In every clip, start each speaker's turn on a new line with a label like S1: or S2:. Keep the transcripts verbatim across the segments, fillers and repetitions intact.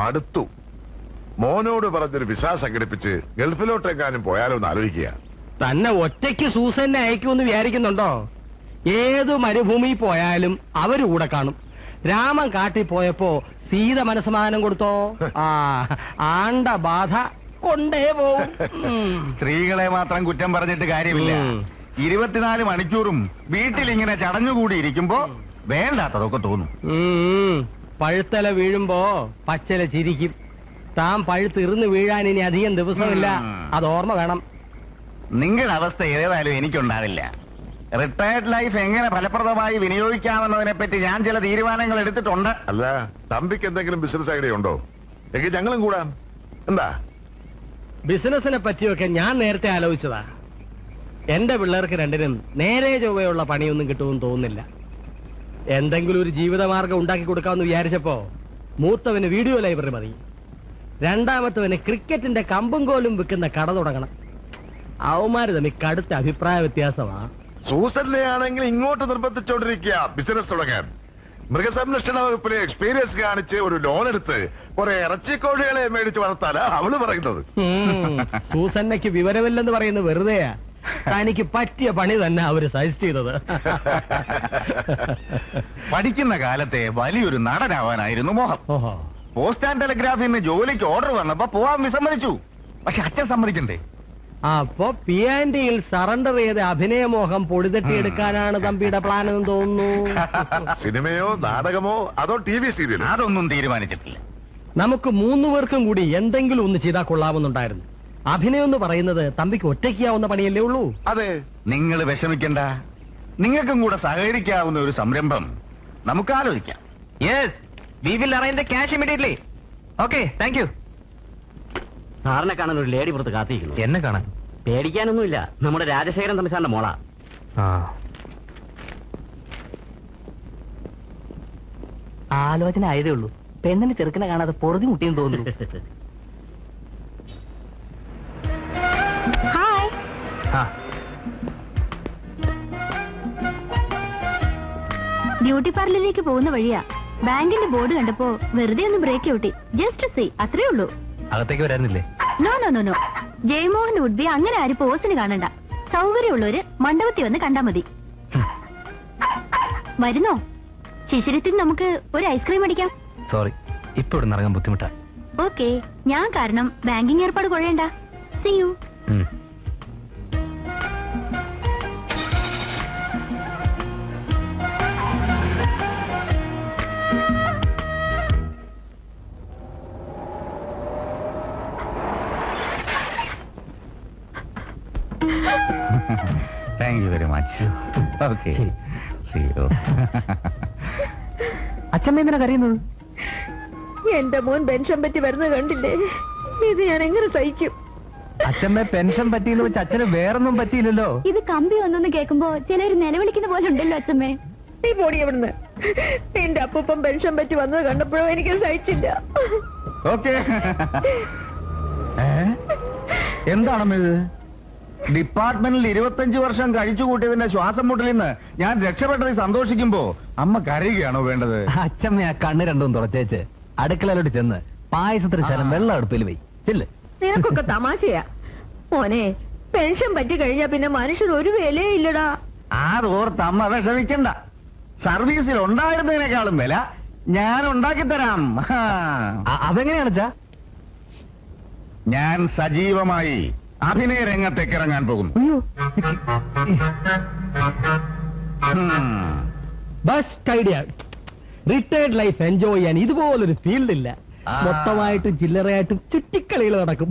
S1: മടുത്തു. മോനോട് പറഞ്ഞൊരു വിസ സംഘടിപ്പിച്ച് ഗൾഫിലോട്ടെങ്ങാനും പോയാലോ എന്ന് ആലോചിക്കുക.
S2: തന്നെ ഒറ്റയ്ക്ക് സൂസന്നെ അയക്കുമെന്ന് വിചാരിക്കുന്നുണ്ടോ? ഏതു മരുഭൂമി പോയാലും അവര് കൂടെ കാണും. രാമൻ കാട്ടി പോയപ്പോ സീത മനസ്സമാനം കൊടുത്തോ? ആ ആണ്ട ബാധ കൊണ്ടേ പോവും.
S3: സ്ത്രീകളെ മാത്രം കുറ്റം പറഞ്ഞിട്ട് കാര്യമില്ല. ഇരുപത്തിനാല് മണിക്കൂറും വീട്ടിലിങ്ങനെ ചടഞ്ഞുകൂടി ഇരിക്കുമ്പോ വേണ്ടാത്തതൊക്കെ തോന്നും.
S2: പഴുത്തല വീഴുമ്പോ പച്ചല ചിരിക്കും. താൻ പഴുത്തിരുന്ന് വീഴാൻ ഇനി അധികം ദിവസമില്ല, അത് ഓർമ്മ വേണം.
S3: നിങ്ങളുടെ അവസ്ഥ ഏതായാലും എനിക്കുണ്ടാവില്ല. റിട്ടയർഡ് ലൈഫ് എങ്ങനെ ഫലപ്രദമായി വിനിയോഗിക്കാമെന്നതിനെ പറ്റി ഞാൻ ചില തീരുമാനങ്ങൾ എടുത്തിട്ടുണ്ട്.
S1: അല്ല, തമ്പിക്ക് എന്തെങ്കിലും ബിസിനസ് ഐഡിയ ഉണ്ടോ? എങ്കിൽ ഞങ്ങളും കൂടാം. എന്താ?
S2: ബിസിനസിനെ പറ്റിയൊക്കെ ഞാൻ നേരത്തെ ആലോചിച്ചതാ. എന്റെ പിള്ളേർക്ക് രണ്ടിനും നേരെ ചൊവ്വയുള്ള പണിയൊന്നും കിട്ടുമെന്ന് തോന്നുന്നില്ല. എന്തെങ്കിലും ഒരു ജീവിതമാർഗം ഉണ്ടാക്കി കൊടുക്കാമെന്ന് വിചാരിച്ചപ്പോ മൂത്തവന് വീഡിയോ ലൈബ്രറി മതി, രണ്ടാമത്തവന് ക്രിക്കറ്റിന്റെ കമ്പും കോലും വിൽക്കുന്ന കട തുടങ്ങണം. അവന്മാര് തമ്മിൽ കടുത്ത അഭിപ്രായ വ്യത്യാസമാ.
S1: സൂസന്നെ ആണെങ്കിൽ ഇങ്ങോട്ട് നിർബന്ധിച്ചോണ്ടിരിക്കുക ബിസിനസ് തുടങ്ങാൻ. മൃഗസംരക്ഷണ വകുപ്പിലെ എക്സ്പീരിയൻസ് കാണിച്ച് ഒരു ലോൺ എടുത്ത് കുറെ ഇറച്ചിക്കോഴികളെ മേടിച്ച് വളർത്താനാ അവള് പറയുന്നത്.
S2: സൂസന്നയ്ക്ക് വിവരമില്ലെന്ന് പറയുന്നത് വെറുതെയാ. തനിക്ക് പറ്റിയ പണി തന്നെ അവര് സജസ്റ്റ് ചെയ്തത്.
S3: പഠിക്കുന്ന കാലത്തെ വലിയൊരു നടനാവാനായിരുന്നു മോഹം. പോസ്റ്റ് ആൻഡ് ടെലിഗ്രാഫിന്ന് ജോലിക്ക് ഓർഡർ വന്നപ്പോ പോവാൻ വിസമ്മതിച്ചു. പക്ഷെ അച്ഛൻ സമ്മതിക്കണ്ടേ?
S2: അപ്പൊ പി ആൻഡിയിൽ സറണ്ടർ ചെയ്ത് അഭിനയമോഹം പൊടിതട്ടിയെടുക്കാനാണ് തമ്പിയുടെ പ്ലാൻ എന്ന് തോന്നുന്നു.
S1: സിനിമയോ നാടകമോ അതോ ടി വി സീരിയലോ?
S3: അതൊന്നും തീരുമാനിച്ചിട്ടില്ല.
S2: നമുക്ക് മൂന്നു പേർക്കും കൂടി എന്തെങ്കിലും ഒന്ന് ചെയ്താൽ കൊള്ളാമെന്നുണ്ടായിരുന്നു. അഭിനയം എന്ന് പറയുന്നത് തമ്പിക്ക് ഒറ്റയ്ക്കാവുന്ന പണിയല്ലേ ഉള്ളൂ.
S3: അതെ, നിങ്ങൾ വിഷമിക്കണ്ട. നിങ്ങൾക്കും കൂടെ സഹകരിക്കാവുന്ന ഒരു സംരംഭം നമുക്ക് ആലോചിക്കാം.
S2: Yes, we will arrange the cash immediately. Okay, thank you.
S4: സാറിനെ കാണാൻ ഒരു ലേഡി പുറത്ത് കാത്തിരിക്കുന്നു.
S2: എന്നെ കാണാൻ?
S4: പേടിക്കാനൊന്നുമില്ല, നമ്മുടെ രാജശേഖരൻ തമ്പി സാറിന്റെ മോളാ.
S2: ആലോചന ആയതേ ഉള്ളൂ. പെണ്ണിന് ചെറുക്കനെ കാണാതെ പൊറുതി മുട്ടിയെന്ന് തോന്നുന്നു.
S5: ബ്യൂട്ടി പാർലറിലേക്ക് പോകുന്ന വഴിയാ. ബാങ്കിന്റെ ബോർഡ് കണ്ടപ്പോ വെറുതെ ഒന്ന് ബ്രേക്ക് ഔട്ടി. ജസ്റ്റ് സീ, അത്രേ ഉള്ളൂ.
S2: അകത്തേക്ക് വരാനില്ലേ?
S5: No no no no Jayamohan would be അങ്ങനെ ആരും പോസിന് കാണണ്ട. സൗകര്യമുള്ളവര് മണ്ഡപത്തിൽ വന്ന് കണ്ടാ മതി. വരുന്നോ? ശിശിരത്തിൽ നമുക്ക് ഒരു ഐസ്ക്രീം അടിക്കാം.
S2: സോറി, ഇപ്പൊ ഇവിടെ ഇറങ്ങാൻ ബുദ്ധിമുട്ടാ.
S5: ഓക്കെ, ഞാൻ കാരണം ബാങ്കിങ് ഏർപ്പാട് കൊള്ളേണ്ട. See you.
S3: Thank you very much. Okay,
S2: അച്ഛമ്മ എന്തിനാ കരയുന്നത്?
S5: എന്റെ മോൻ പെൻഷൻ പറ്റി വരുന്നത് കണ്ടില്ലേ? ഇത് ഞാൻ എങ്ങനെ സഹിക്കും?
S2: അച്ഛമ്മ പെൻഷൻ പറ്റിയെന്ന് വെച്ച് അച്ഛന് വേറൊന്നും പറ്റിയില്ലല്ലോ.
S5: ഇത് കമ്പി ഒന്നെന്ന് കേൾക്കുമ്പോ ചിലര് നിലവിളിക്കുന്ന പോലെ ഉണ്ടല്ലോ അച്ഛമ്മേ. നീ പോടി എവിടുന്ന്. എന്റെ അപ്പൂപ്പൻ പെൻഷൻ പറ്റി വന്നത് കണ്ടപ്പോഴോ എനിക്ക് സഹിച്ചില്ല.
S3: ഓക്കെ, എന്താണമ്മ ഇത്? ഡിപ്പാർട്ട്മെന്റിൽ ഇരുപത്തഞ്ചു വർഷം കഴിച്ചു കൂട്ടിയതിന്റെ ശ്വാസം മുട്ടലിൽ നിന്ന് ഞാൻ രക്ഷപ്പെട്ടതിൽ സന്തോഷിക്കുമ്പോ അമ്മ കരയുകയാണോ വേണ്ടത്?
S2: അച്ഛമ്മ ആ കണ്ണ് രണ്ടും തുറച്ചേച്ച് അടുക്കളയിലോട്ട് ചെന്ന് പായസത്തിന് ശരം വെള്ളം അടുപ്പിൽ വൈ. ചെല്ല്.
S5: നിനക്കൊക്കെ തമാശയാ മോനെ. പെൻഷൻ പറ്റി കഴിഞ്ഞാ പിന്നെ മനുഷ്യർ ഒരു വിലയേ ഇല്ലടാ.
S3: അതോർത്ത് അമ്മ വിഷമിക്കണ്ട. സർവീസിൽ ഉണ്ടായിരുന്നതിനേക്കാളും വില ഞാൻ ഉണ്ടാക്കി തരാം.
S2: അതെങ്ങനെയാണെച്ചാ?
S3: ഞാൻ സജീവമായി അഭിനയ രംഗത്തേക്ക് ഇറങ്ങാൻ പോകും.
S2: Best idea. Retired life enjoy ചെയ്യാൻ ഇതുപോലൊരു ഫീൽഡ് ഇല്ല. മൊത്തമായിട്ടും ചില്ലറയായിട്ടും ചുറ്റിക്കളികൾ നടക്കും.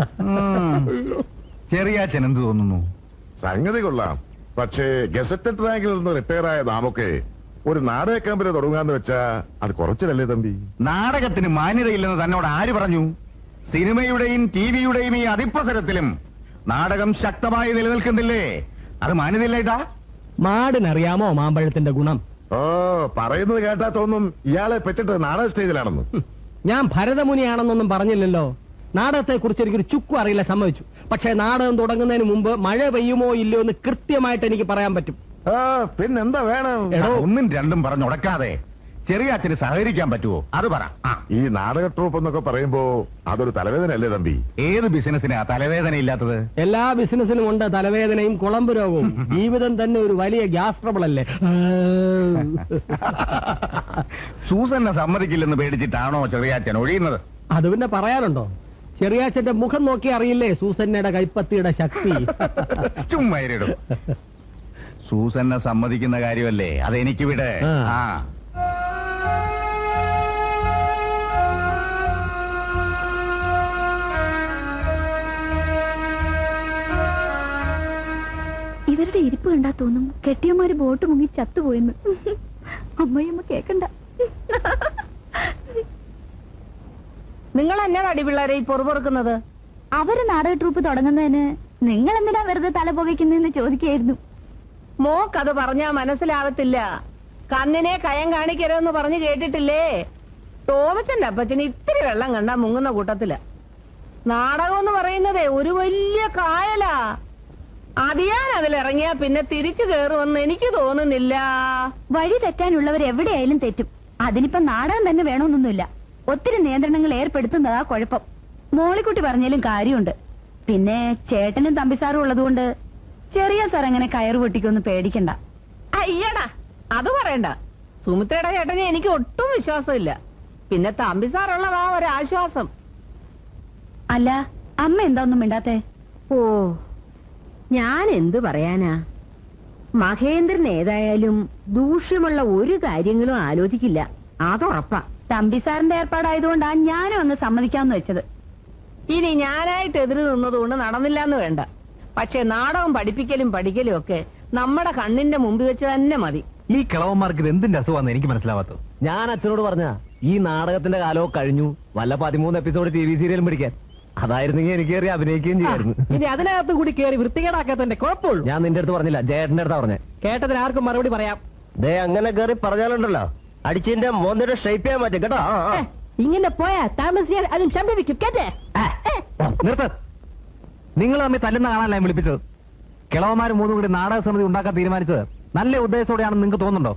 S3: ചെറിയാച്ചൻ എന്ത് തോന്നുന്നു?
S1: സംഗതി കൊള്ളാം. പക്ഷേ ഗസറ്റഡ് റാങ്കിൽ നിന്ന് റിട്ടയർ ആയ നാമൊക്കെ ഒരു നാടക കമ്പനി തുടങ്ങാന്ന് വെച്ചാ അത് കുറച്ചിലല്ലേ തമ്പി?
S3: നാടകത്തിന് മാന്യതയില്ലെന്ന് തന്നോട് ആര് പറഞ്ഞു? സിനിമയുടെയും ടി വിയുടെയും ഈ അതിപ്രസരത്തിലും നാടകം ശക്തമായി നിലനിൽക്കുന്നില്ലേ? അത് മാന്യതയില്ലേട്ടാ?
S2: മാടിനറിയാമോ മാമ്പഴത്തിന്റെ ഗുണം?
S1: ഓ, പറയുന്നത് കേട്ടാ തോന്നും ഇയാളെ പറ്റിട്ട് നാടക സ്റ്റേജിലാണെന്ന്.
S2: ഞാൻ ഭരതമുനിയാണെന്നൊന്നും പറഞ്ഞില്ലല്ലോ. നാടകത്തെ കുറിച്ച് എനിക്കൊരു ചുക്കും അറിയില്ല, സമ്മതിച്ചു. പക്ഷെ നാടകം തുടങ്ങുന്നതിന് മുമ്പ് മഴ പെയ്യുമോ ഇല്ലയോ എന്ന് കൃത്യമായിട്ട് എനിക്ക് പറയാൻ പറ്റും.
S1: ആ, പിന്നെന്താ വേണം?
S3: ഒന്നും രണ്ടും പറഞ്ഞുടക്കാതെ ചെറിയ അച്ഛന് സഹകരിക്കാൻ പറ്റുമോ അത് പറ. ആ,
S1: ഈ നാടക ട്രൂപ്പ് എന്നൊക്കെ പറയുമ്പോ അതൊരു തലവേദന അല്ലേ തമ്പി?
S3: ഏത് ബിസിനസിനാ തലവേദന ഇല്ലാത്തത്?
S2: എല്ലാ ബിസിനസ്സിനും ഉണ്ട് തലവേദനയും കുളമ്പ് രോഗവും. ജീവിതം തന്നെ ഒരു വലിയ ഗ്യാസ് ട്രബിൾ അല്ലേ?
S3: സൂസന്നെ സമ്മതിക്കില്ലെന്ന് പേടിച്ചിട്ടാണോ ചെറിയാച്ചൻ ഒഴിയുന്നത്?
S2: അത് പിന്നെ പറയാനുണ്ടോ? ചെറിയാച്ചന്റെ മുഖം നോക്കി അറിയില്ലേ സൂസന്നയുടെ കൈപ്പത്തിയുടെ ശക്തി?
S3: ചുമ്മായിടും. സൂസന്നെ സമ്മതിക്കുന്ന കാര്യമല്ലേ, അതെനിക്ക് വിടെ.
S2: ആ.
S3: ആ
S5: ഇവരുടെ ഇരിപ്പ് കണ്ടാ തോന്നും കെട്ടിയമാര് ബോട്ട് മുങ്ങി ചത്തുപോയെന്ന്. അമ്മയമ്മ കേക്കണ്ട.
S6: നിങ്ങൾ എന്നാ അടിപിള്ളേരെ ഈ പൊറുപൊറുക്കുന്നത്?
S5: അവര് നാടക ട്രൂപ്പ് തുടങ്ങുന്നതിന് നിങ്ങൾ എന്തിനാ വെറുതെ തല പുകയ്ക്കുന്നതെന്ന് ചോദിക്കായിരുന്നു.
S6: മോക്കത് പറഞ്ഞാ മനസ്സിലാവത്തില്ല. കണ്ണിനെ കയം കാണിക്കരുതെന്ന് പറഞ്ഞു കേട്ടിട്ടില്ലേ? തോമച്ചന്റെ അപ്പച്ചന് ഇത്തിരി വെള്ളം കണ്ടാ മുങ്ങുന്ന കൂട്ടത്തില. നാടകം എന്ന് പറയുന്നതേ ഒരു വലിയ കായലാ. അതിയാൻ അതിലിറങ്ങിയാ പിന്നെ തിരിച്ചു കയറുമെന്ന് എനിക്ക് തോന്നുന്നില്ല.
S5: വഴി തെറ്റാനുള്ളവർ എവിടെയായാലും തെറ്റും. അതിനിപ്പോ നാടകം തന്നെ വേണമെന്നൊന്നുമില്ല. ഒത്തിരി നിയന്ത്രണങ്ങൾ ഏർപ്പെടുത്തുന്നതാ കുഴപ്പം. മോളിക്കുട്ടി പറഞ്ഞാലും കാര്യമുണ്ട്. പിന്നെ ചേട്ടനും തമ്പിസാറും ഉള്ളതുകൊണ്ട് ചെറിയ സാർ അങ്ങനെ കയറ് പൊട്ടിക്കൊന്നും പേടിക്കണ്ട.
S6: അയ്യടാ, അത് പറയണ്ട. സുമിത്രയുടെ ചേട്ടനെ എനിക്ക് ഒട്ടും വിശ്വാസമില്ല. പിന്നെ തമ്പിസാറുള്ളതാ ഒരാശ്വാസം.
S5: അല്ല, അമ്മ എന്താ ഒന്നും മിണ്ടാത്തെ?
S7: ഓ, ഞാൻ എന്തു പറയാനാ? മഹേന്ദ്രൻ ഏതായാലും ദൂഷ്യമുള്ള ഒരു കാര്യങ്ങളും ആലോചിക്കില്ല, അതുറപ്പാ.
S5: തമ്പിസാറിന്റെ ഏർപ്പാടായതുകൊണ്ടാ ഞാനും അങ്ങ് സമ്മതിക്കാമെന്ന് വെച്ചത്.
S6: ഇനി ഞാനായിട്ട് എതിര് നിന്നതുകൊണ്ട് നടന്നില്ലാന്ന് വേണ്ട. പക്ഷെ നാടകം പഠിപ്പിക്കലും പഠിക്കലും ഒക്കെ നമ്മുടെ കണ്ണിന്റെ മുമ്പിൽ വെച്ച് തന്നെ മതി.
S3: ഈ കിളവന്മാർക്ക് ഇത് എന്തിന്റെ അസുഖമാണെന്ന് എനിക്ക് മനസ്സിലാവാത്തത്.
S2: ഞാൻ അച്ഛനോട് പറഞ്ഞ ഈ നാടകത്തിന്റെ കാലവും കഴിഞ്ഞു, വല്ല പതിമൂന്ന് എപ്പിസോഡ് ടി വി സീരിയലും പിടിക്കാൻ. അതായിരുന്നെങ്കിൽ എനിക്ക് കയറി അഭിനയിക്കുകയും ചെയ്യായിരുന്നു. ഇനി അതിനകത്ത് കൂടി കയറി വൃത്തികേടാക്കാത്തന്റെ കുഴപ്പമുള്ളൂ. ഞാൻ നിന്റെ അടുത്ത് പറഞ്ഞില്ല, ജയേട്ടന്റെ അടുത്താ പറഞ്ഞേ. കേട്ടതിന് ആർക്കും മറുപടി പറയാം. ദേ അങ്ങനെ കയറി പറഞ്ഞാലുണ്ടല്ലോ അടിച്ചിന്റെ മോന്തിയുടെ ഷേപ്പ് ചെയ്യാൻ പറ്റും കേട്ടോ.
S6: ഇങ്ങനെ പോയാ താമസിയാൽ അതും സംഭവിക്കും. കേട്ടേ?
S3: നിർത്ത്. നിങ്ങൾ തമ്മിൽ തല്ലുന്ന കാണാനല്ല ഞാൻ വിളിപ്പിച്ചത്. കിളവന്മാർ മൂന്നും കൂടി നാടക സമിതി ഉണ്ടാക്കാൻ തീരുമാനിച്ചത് നല്ല ഉദ്ദേശത്തോടെയാണെന്ന് നിങ്ങൾക്ക് തോന്നുന്നുണ്ടോ?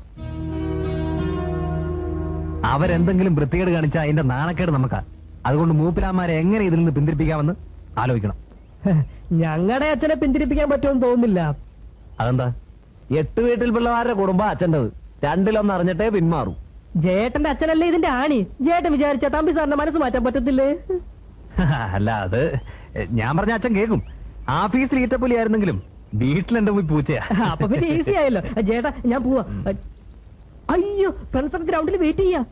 S3: അവരെന്തെങ്കിലും വൃത്തികേട് കാണിച്ചാൽ അതിന്റെ നാണക്കേട് നമുക്കാ. അതുകൊണ്ട് മൂപ്പിലാന്മാരെ എങ്ങനെ ഇതിൽ നിന്ന് പിന്തിരിപ്പിക്കാമെന്ന് ആലോചിക്കണം.
S2: ഞങ്ങളുടെ അച്ഛനെ പിന്തിരിപ്പിക്കാൻ പറ്റുമെന്ന് തോന്നുന്നില്ല.
S3: അതെന്താ?
S2: എട്ട് വീട്ടിൽ പിള്ളമാരുടെ കുടുംബം അച്ഛൻ്റെത്. രണ്ടിലൊന്ന് അറിഞ്ഞിട്ടേ പിന്മാറും. ജേട്ടന്റെ അച്ഛനല്ലേ ഇതിന്റെ ആണി. ജേട്ടൻ വിചാരിച്ച തമ്പി സാറിന്റെ മനസ്സ് മാറ്റാൻ പറ്റത്തില്ലേ?
S3: അല്ല, അത് ഞാൻ പറഞ്ഞ അച്ഛൻ കേൾക്കും. ആഫീസിൽ ഈറ്റപ്പുലി ആയിരുന്നെങ്കിലും വീട്ടിൽ എന്റെ പോയി പൂച്ചയാ.
S2: അപ്പൊ പിന്നെ ഈസി ആയല്ലോ. ജേട്ടാ ഞാൻ പോവാ. അയ്യോ, ഫ്രണ്ട്സ് ഗ്രൗണ്ടിൽ വെയിറ്റ് ചെയ്യാ.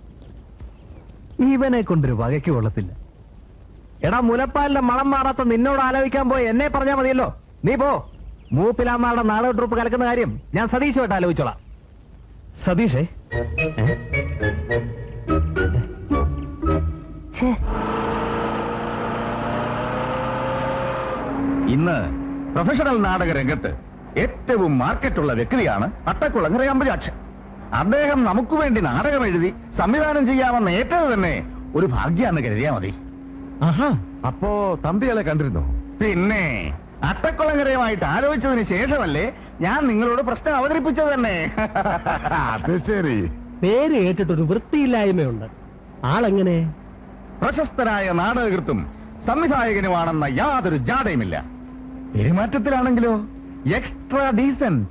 S3: ഇവനെ കൊണ്ടൊരു വകയ്ക്ക് കൊള്ളത്തില്ല.
S2: എടാ, മുലപ്പാലിന്റെ മണം മാറാത്ത നിന്നോട് ആലോചിക്കാൻ പോയി എന്നെ പറഞ്ഞാ മതിയല്ലോ.
S3: നീ പോ. മൂപ്പിലാമ്മയുടെ നാടക ട്രൂപ്പ് കലക്കുന്ന കാര്യം ഞാൻ സതീശുമായിട്ട് ആലോചിച്ചോളാം. സതീഷേ, ഇന്ന് പ്രൊഫഷണൽ നാടക രംഗത്ത് ഏറ്റവും മാർക്കറ്റുള്ള വ്യക്തിയാണ് അട്ടക്കുളങ്ങര അമ്പജാക്ഷൻ. അദ്ദേഹം നമുക്ക് വേണ്ടി നാടകം എഴുതി സംവിധാനം ചെയ്യാമെന്ന് ഏറ്റത് തന്നെ ഒരു ഭാഗ്യാന്ന് കരുതിയാ മതി.
S2: ആഹാ,
S1: അപ്പോ തമ്പികളെ കണ്ടിരുന്നോ?
S3: പിന്നെ അട്ടക്കുളങ്ങരയുമായിട്ട് ആലോചിച്ചതിന് ശേഷമല്ലേ ഞാൻ നിങ്ങളോട് പ്രശ്നം അവതരിപ്പിച്ചത് തന്നെ.
S1: അത് ശരി.
S2: പേര് കേട്ടിട്ടൊരു വൃത്തിയില്ലായ്മയുണ്ട്. ആളെങ്ങനെ?
S3: പ്രശസ്തരായ നാടകകൃത്തും സംവിധായകനുമാണെന്ന യാതൊരു ജാടയുമില്ല. പെരുമാറ്റത്തിലാണെങ്കിലോ എക്സ്ട്രാ ഡീസന്റ്.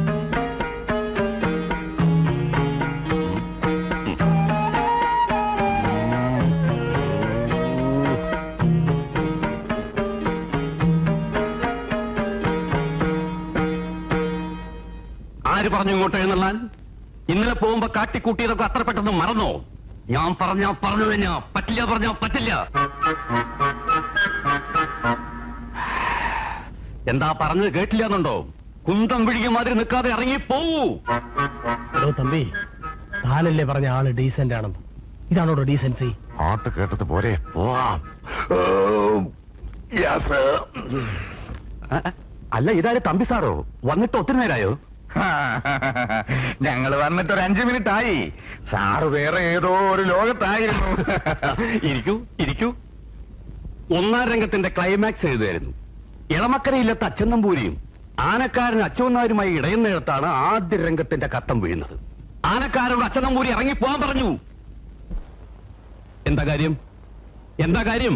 S4: ആര് പറഞ്ഞു ഇങ്ങോട്ട് എഴുന്നള്ളാൻ? ഇന്നലെ പോകുമ്പോ കാട്ടിക്കൂട്ടിയതൊക്കെ അത്ര പെട്ടെന്ന് മറന്നോ? ഞാൻ പറഞ്ഞാ പറഞ്ഞു തന്നെയാ, പറ്റില്ല പറഞ്ഞാ പറ്റില്ല. എന്താ പറഞ്ഞത് കേട്ടില്ലാന്നുണ്ടോ? കുന്തം വിഴിക മാതിരി നിൽക്കാതെ ഇറങ്ങി പോവൂ.
S2: എടോ തമ്പി, താനല്ലേ പറഞ്ഞ ആള് ഡീസന്റ് ആണെന്ന്. ഇതാണോ ഡീസൻസി?
S1: പാട്ട് കേട്ടത് പോരെ, പോവാം.
S4: അല്ല, ഇതാര് തമ്പി സാറോ? വന്നിട്ട് ഒത്തിരി നേരായോ?
S3: ഞങ്ങൾ വന്നിട്ട് ഒരു അഞ്ചു മിനിറ്റ് ആയി. സാറ് വേറെ ഏതോ ഒരു ലോകത്തായിരുന്നു.
S4: ഇരിക്കൂ ഇരിക്കൂ. ഒന്നാം രംഗത്തിന്റെ ക്ലൈമാക്സ് എഴുതായിരുന്നു. ഇളമക്കരയില്ലത്ത അച്ഛൻ നമ്പൂരിയും ആനക്കാരൻ അച്ഛനാരുമായി ഇടയുന്നിടത്താണ് ആദ്യ രംഗത്തിന്റെ കട്ടം വീഴുന്നത്. ആനക്കാരോട് അച്ഛനമ്പൂരി ഇറങ്ങി പോകാൻ പറഞ്ഞു. എന്താ കാര്യം? എന്താ കാര്യം?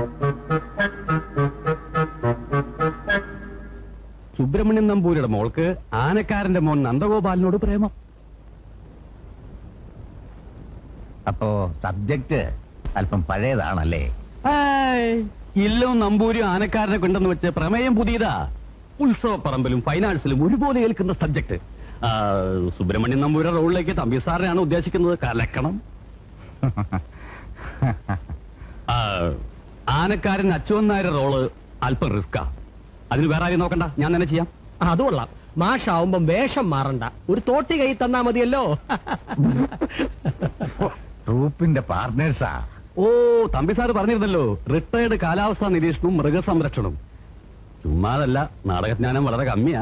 S4: സുബ്രഹ്മണ്യൻ നമ്പൂരിയുടെ മോൾക്ക് ആനക്കാരന്റെ മോൻ നന്ദഗോപാലിനോട് പ്രേമം.
S3: അപ്പോ സബ്ജക്ട് അല്പം പഴയതാണല്ലേ?
S4: ഇല്ലവും നമ്പൂരിയും ആനക്കാരനെ കൊണ്ടെന്ന് വെച്ച് പ്രമേയം പുതിയതാ. ഉത്സവപ്പറമ്പിലും ഫൈനാൻസിലും ഒരുപോലെ ഏൽക്കുന്ന സബ്ജക്ട്. സുബ്രഹ്മണ്യൻ നമ്പൂരിയുടെ റോളിലേക്ക് തമ്പി സാറിനെയാണ് ഉദ്ദേശിക്കുന്നത്. കലക്കണം. ആ, ആനക്കാരൻ അച്ചുവൻ നായരുടെ റോള് അല്പം റിസ്കാ. അതിന് വേറെ ആരും നോക്കണ്ട, ഞാൻ തന്നെ ചെയ്യാം.
S2: അത് കൊള്ളാം. മാഷാവുമ്പം വേഷം മാറണ്ട, ഒരു തോട്ടി കൈ തന്നാ മതിയല്ലോ.
S3: ട്രൂപ്പിന്റെ പാർട്ട്നേഴ്സാ.
S4: ഓ, തമ്പി സാറ് പറഞ്ഞിരുന്നല്ലോ, റിട്ടയർഡ് കാലാവസ്ഥാ നിരീക്ഷണവും മൃഗസംരക്ഷണവും. ചുമ്മാതല്ല, നാടകജ്ഞാനം വളരെ കമ്മിയാ.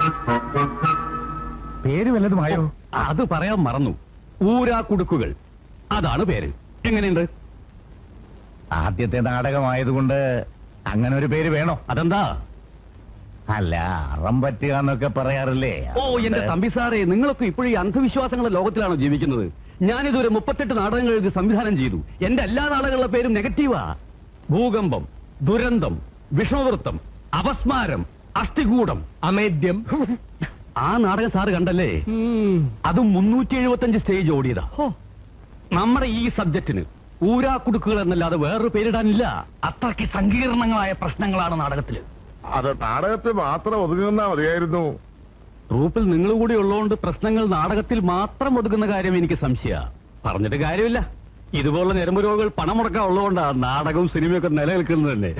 S3: പേര് വല്ലതുമായോ?
S4: അത് പറയാൻ മറന്നു. ഊരാ കുടുക്കുകൾ, അതാണ് പേര്. എങ്ങനെയുണ്ട്?
S3: ആദ്യത്തെ നാടകമായതുകൊണ്ട് അങ്ങനെ ഒരു പേര് വേണോ?
S4: അതെന്താ?
S3: അല്ല, അറം പറ്റുക എന്നൊക്കെ പറയാറില്ലേ?
S4: ഓ, എന്റെ തമ്പി സാറേ, നിങ്ങളൊക്കെ ഇപ്പോഴും ഈ അന്ധവിശ്വാസങ്ങളുടെ ലോകത്തിലാണോ ജീവിക്കുന്നത്? ഞാനിതുവരെ മുപ്പത്തെട്ട് നാടകങ്ങൾ എഴുതി സംവിധാനം ചെയ്തു. എന്റെ എല്ലാ നാടകങ്ങളുടെ പേരും നെഗറ്റീവാ. ഭൂകമ്പം, ദുരന്തം, വിഷ്ണുവൃത്തം, അപസ്മാരം, അസ്ഥികൂടം,
S2: അമേദ്യം.
S4: ആ നാടകം സാറ് കണ്ടല്ലേ? അതും മുന്നൂറ്റി എഴുപത്തി അഞ്ച് സ്റ്റേജ് ഓടിയതാ. നമ്മുടെ ഈ സബ്ജക്റ്റിന് ഊരാ കുടുക്കുകൾ എന്നല്ലാതെ വേറൊരു പേരിടാനില്ല. അത്രയ്ക്ക് സങ്കീർണങ്ങളായ പ്രശ്നങ്ങളാണ് നാടകത്തില്.
S1: അത് നാടകത്തിൽ മാത്രം ഒതുങ്ങുന്ന മതിയായിരുന്നു.
S4: ട്രൂപ്പിൽ നിങ്ങൾ കൂടി ഉള്ളതുകൊണ്ട് പ്രശ്നങ്ങൾ നാടകത്തിൽ മാത്രം ഒതുക്കുന്ന കാര്യം എനിക്ക് സംശയ. പറഞ്ഞിട്ട് കാര്യമില്ല. ഇതുപോലുള്ള ഞരമ്പ് രോഗികൾ പണം മുടക്കാൻ ഉള്ളതുകൊണ്ടാണ് നാടകവും സിനിമയൊക്കെ നിലനിൽക്കുന്നത് തന്നെ.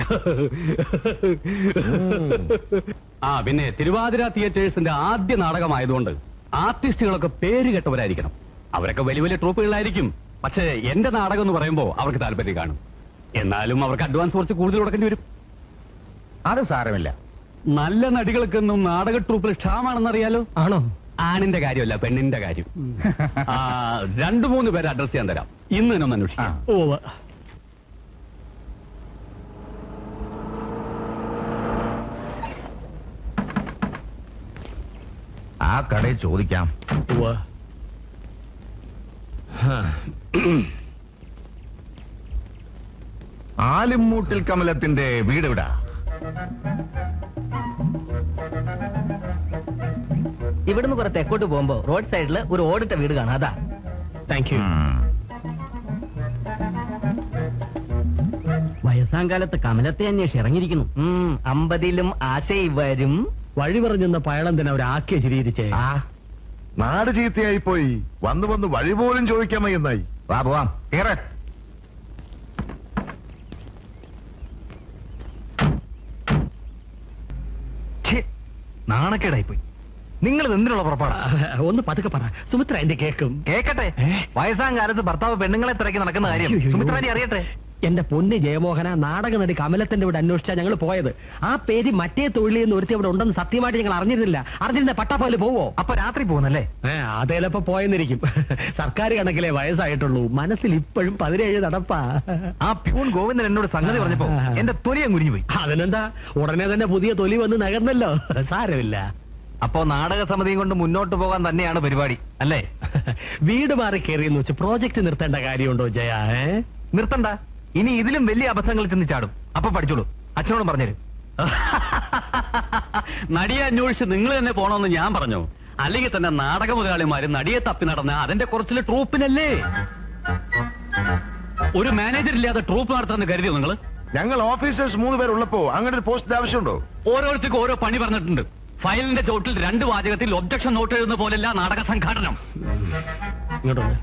S4: ആ, പിന്നെ തിരുവാതിര തിയേറ്റേഴ്സിന്റെ ആദ്യ നാടകമായതുകൊണ്ട് ആർട്ടിസ്റ്റുകളൊക്കെ പേര് കേട്ടവരായിരിക്കണം. അവരൊക്കെ വലിയ വലിയ ട്രൂപ്പുകളായിരിക്കും. പക്ഷേ എന്റെ നാടകം എന്ന് പറയുമ്പോൾ അവർക്ക് താല്പര്യം കാണും. എന്നാലും അവർക്ക് അഡ്വാൻസ് കുറച്ച് കൂടുതൽ കൊടുക്കേണ്ടി വരും.
S3: അത് സാരമില്ല.
S4: നല്ല നടികൾക്കൊന്നും നാടക ട്രൂപ്പിൽ ക്ഷാമാണെന്നറിയാലോ.
S2: ആണോ?
S4: ആണിന്റെ കാര്യമല്ല, പെണ്ണിന്റെ കാര്യം. ആ, രണ്ടു മൂന്ന് പേരെ അഡ്രസ് ചെയ്യാൻ തരാം. ഇന്ന് തന്നെ ഒന്ന് അന്വേഷിക്കാം.
S2: ഓ,
S3: ആ കടയിൽ ചോദിക്കാം. ആലിമ്മൂട്ടിൽ കമലത്തിന്റെ വീട് എവിടാ?
S2: ഇവിടുന്ന് കുറെ തെക്കോട്ട് പോകുമ്പോ റോഡ് സൈഡില് ഒരു ഓടിട്ട വീട് കാണാം. അതാ. Thank you. വയസ്സാം കാലത്ത് കമലത്തെ അന്വേഷിച്ച് ഇറങ്ങിയിരിക്കുന്നു. അമ്പതിലും ആശയി വരും. വഴി പറഞ്ഞെന്ന പയളന്തിനെ അവരാക്കിയ ചിരിയിരിച്ചേ.
S1: ആ, നാട് ചീത്തയായി പോയി. വന്ന് വന്ന് വഴി പോലും ചോദിക്കാൻ വയ്യെന്നായി.
S3: വാ പോവാം. കേറ്. നാണക്കേടായി പോയി. നിങ്ങൾ എന്തിനുള്ള പുറപ്പാടാ?
S2: ഒന്ന് പതുക്കെ പറ, സുമിത്ര എന്റെ കേക്കും.
S3: കേക്കട്ടെ. വയസ്സാം കാലത്ത് ഭർത്താവ് പെണ്ണുങ്ങളെ തിരക്കി നടക്കുന്ന കാര്യം സുമിത്രാജി അറിയട്ടെ.
S2: എന്റെ പൊന്ന് ജയമോഹന, നാടക നടി കമലത്തിന്റെ ഇവിടെ അന്വേഷിച്ചാ ഞങ്ങൾ പോയത്. ആ പേര് മറ്റേ തൊഴിലിൽ നിന്ന് ഒരുത്തി അവിടെ ഉണ്ടെന്ന് സത്യമായിട്ട് ഞങ്ങൾ അറിഞ്ഞിരുന്നില്ല. അറിഞ്ഞിരുന്ന പട്ടാപ്പകല് പോവോ?
S3: അപ്പൊ രാത്രി പോകുന്നല്ലേ?
S2: അതേലപ്പോ പോയെന്നിരിക്കും. സർക്കാർ കണക്കിലെ വയസ്സായിട്ടുള്ളൂ. മനസ്സിൽ ഇപ്പോഴും പതിനേഴ് നടപ്പാ.
S3: ആ പ്യൂൺ ഗോവിന്ദൻ എന്നോട് സംഗതി പറഞ്ഞപ്പോ എന്റെ തൊലിയെ മുരിഞ്ഞു പോയി.
S2: അതിനെന്താ, ഉടനെ തന്നെ പുതിയ തൊലി വന്ന് നകർന്നല്ലോ. സാരമില്ല.
S3: അപ്പോ നാടക സമിതിയും കൊണ്ട് മുന്നോട്ട് പോകാൻ തന്നെയാണ് പരിപാടി അല്ലേ?
S2: വീട് മാറി കയറിയെന്ന് വെച്ച് പ്രോജക്ട് നിർത്തേണ്ട കാര്യമുണ്ടോ ജയ?
S3: നിർത്തണ്ട. ഇനി ഇതിലും വലിയ അബദ്ധങ്ങളിൽ ചെന്ന് ചാടും. അപ്പൊ പഠിച്ചോളൂ. അച്ഛനോടും പറഞ്ഞുതരും.
S4: നടിയെ അന്വേഷിച്ച് നിങ്ങൾ തന്നെ പോണമെന്ന് ഞാൻ പറഞ്ഞു. അല്ലെങ്കിൽ തന്നെ നാടക മുതലാളിമാര് നടിയെ തപ്പി നടന്ന അതിന്റെ കുറച്ചില് ട്രൂപ്പിനല്ലേ. ഒരു മാനേജർ ഇല്ലാതെ ട്രൂപ്പ് നടത്താന്ന് കരുതിയോ നിങ്ങൾ?
S1: ഞങ്ങൾ ഓഫീസേഴ്സ് മൂന്ന് പേരുള്ളപ്പോ അങ്ങനെ ഒരു പോസ്റ്റിന്റെ ആവശ്യമുണ്ടോ?
S4: ഓരോരുത്തർക്കും ഓരോ പണി പറഞ്ഞിട്ടുണ്ട്. ഫയലിന്റെ ചോട്ടിൽ രണ്ട് വാചകത്തിൽ ഒബ്ജക്ഷൻ നോട്ട് എഴുതുന്ന പോലെയല്ല നാടക സംഘാടനം.
S2: ഇങ്ങോട്ടൊന്ന്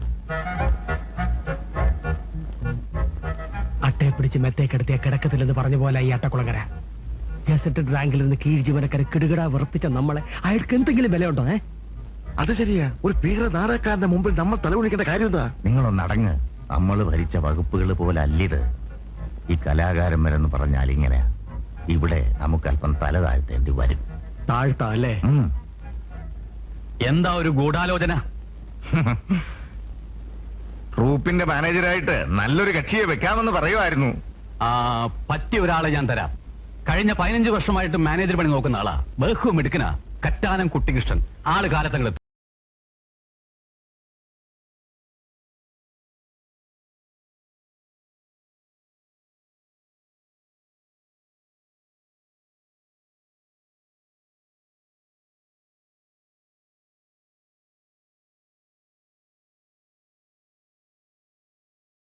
S2: അട്ടയെ പിടിച്ച് മെത്തേക്കെടുത്തിയ കിടക്കത്തില്ലെന്ന് പറഞ്ഞ പോലെ ഈ അട്ടക്കുളങ്ങര ഗസറ്റഡ് റാങ്കിൽ നിന്ന് കീഴ് ജീവനക്കാരെ കിടുകിടാ വിറപ്പിച്ച നമ്മളെ അയാൾക്ക് എന്തെങ്കിലും വിലയുണ്ടോ? ഏ
S1: അത് ശരിയാ. ഒരു ഭീകര നാടകക്കാരന്റെ മുമ്പിൽ നമ്മൾ തലകുണിക്കേണ്ട കാര്യം എന്താ?
S3: നിങ്ങളൊന്നടങ്ങ്. നമ്മൾ ഭരിച്ച വകുപ്പുകൾ പോലെ അല്ലിത്. ഈ കലാകാരന്മാരെന്ന് പറഞ്ഞാൽ ഇങ്ങനെ ഇവിടെ നമുക്ക് അല്പം തല താഴ്ത്തേണ്ടി വരും.
S2: താഴ്ത്താ അല്ലേ?
S4: എന്താ ഒരു ഗൂഢാലോചന?
S3: ട്രൂപ്പിന്റെ മാനേജരായിട്ട് നല്ലൊരു കക്ഷിയെ വെക്കാമെന്ന് പറയുമായിരുന്നു.
S4: ആ, പറ്റിയ ഒരാളെ ഞാൻ തരാം. കഴിഞ്ഞ പതിനഞ്ച് വർഷമായിട്ട് മാനേജർ പണി നോക്കുന്ന ആളാ. ബഹുമിടുക്കനാ. കറ്റാനം കുട്ടികൃഷ്ണൻ. ആള് കാലത്തങ്ങൾ